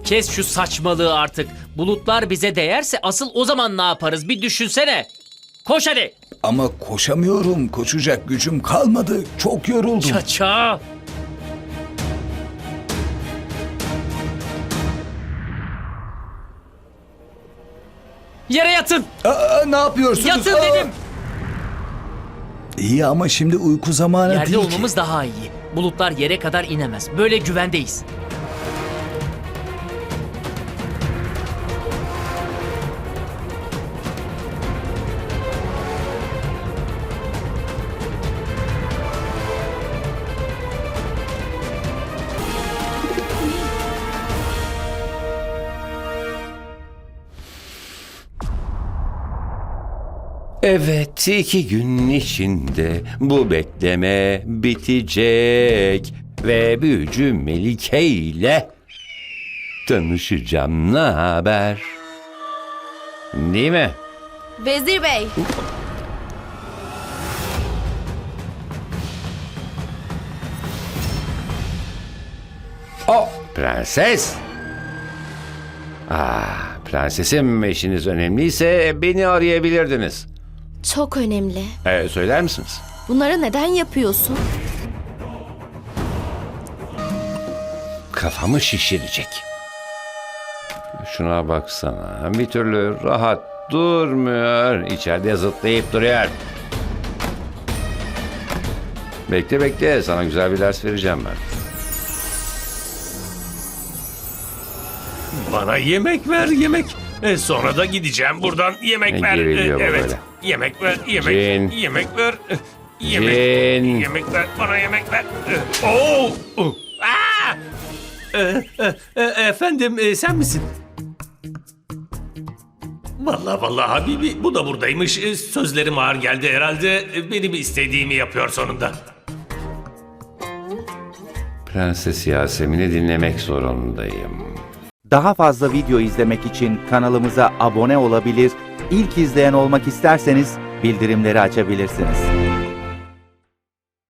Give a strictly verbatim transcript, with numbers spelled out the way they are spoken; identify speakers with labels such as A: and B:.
A: Kes şu saçmalığı artık. Bulutlar bize değerse asıl o zaman ne yaparız? Bir düşünsene. Koş hadi.
B: Ama koşamıyorum. Koşacak gücüm kalmadı. Çok yoruldum.
A: Çaça. Yere yatın.
B: Aa, ne yapıyorsunuz?
A: Yatın
B: Aa!
A: dedim.
B: İyi ama şimdi uyku zamanı
A: Yerde
B: değil
A: olmamız
B: ki.
A: daha iyi. Bulutlar yere kadar inemez. Böyle güvendeyiz.
C: Evet, iki gün içinde bu bekleme bitecek ve büyücü Melike ile tanışacağım. Ne haber? Değil mi?
D: Vezir Bey,
C: O prenses. Ah, prensesim, işiniz önemliyse beni arayabilirdiniz.
D: çok önemli.
C: Ee, söyler misiniz?
D: Bunları neden yapıyorsun?
C: Kafamı şişirecek. Şuna baksana. Bir türlü rahat durmuyor. İçeride zıplayıp duruyor. Bekle bekle. Sana güzel bir ders vereceğim ben.
E: Bana yemek ver yemek. E, sonra da gideceğim buradan yemek
C: Ne
E: ver. E,
C: geriliyor bu
E: evet.
C: böyle?
E: Yemek ver yemek.
C: Cin.
E: Yemek ver. E, Yemek.
C: Cin.
E: Yemek ver. Bana yemek ver. E, Oo! Uh! Aa! E, e, e, efendim e, sen misin? Vallahi vallahi Habibi bu da buradaymış. E, sözlerim ağır geldi herhalde. E, benim istediğimi yapıyor sonunda.
C: Prenses Yasemin'i dinlemek zorundayım.
F: Daha fazla video izlemek için kanalımıza abone olabilir, ilk izleyen olmak isterseniz bildirimleri açabilirsiniz.